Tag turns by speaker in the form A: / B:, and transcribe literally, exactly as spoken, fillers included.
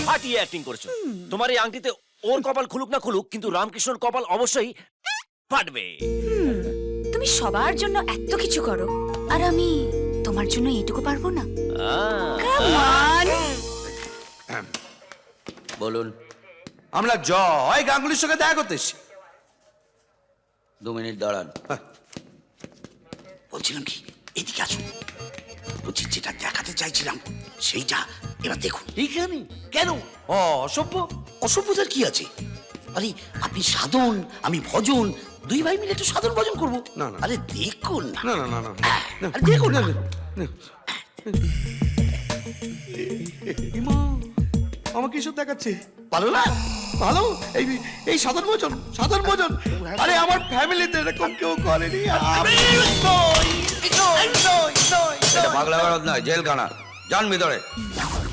A: ফাটিয়ে অ্যাক্টিং করেছো। তোমার এই আংটিতে ওর কপাল খুলুক না খুলুক, কিন্তু রামকৃষ্ণর কপাল অবশ্যই ফাটবে।
B: তুমি সবার জন্য এত কিছু করো, আর আমি তোমার জন্য এইটুকু পারবো না?
C: বলুন।
D: আমরা জয় গাঙ্গুলির সঙ্গে দেখা করতে এসেছি।
C: দু মিনিট দাঁড়ান।
E: বলছিলাম কি, এদিকে আসুন। বলছি যেটা দেখাতে চাইছিলাম সেইটা এবার দেখুন।
D: এইখানে কেন? ও অসভ্য।
E: অসভ্যতার কি আছে? আরে আপনি সাধন, আমি ভজন, দুই ভাই মিলে একটু সাধন ভজন করবো।
D: না, না।
E: আরে দেখুন না।
D: না না না না
E: হ্যাঁ,
D: না।
E: আরে দেখুন না।
D: ইমা, আমাকে এসব দেখাচ্ছে?
E: ভালো না?
D: ভালো। এই এই সাধারণ ভোজন, সাধারণ ভোজন। আরে আমার ফ্যামিলিতে এরকম কেউ করেনি। আমি নই, নই, নই, নই,
C: এটা
D: নই।
C: পাগলা গারদ নয়, জেলখানা। যান ভিতরে।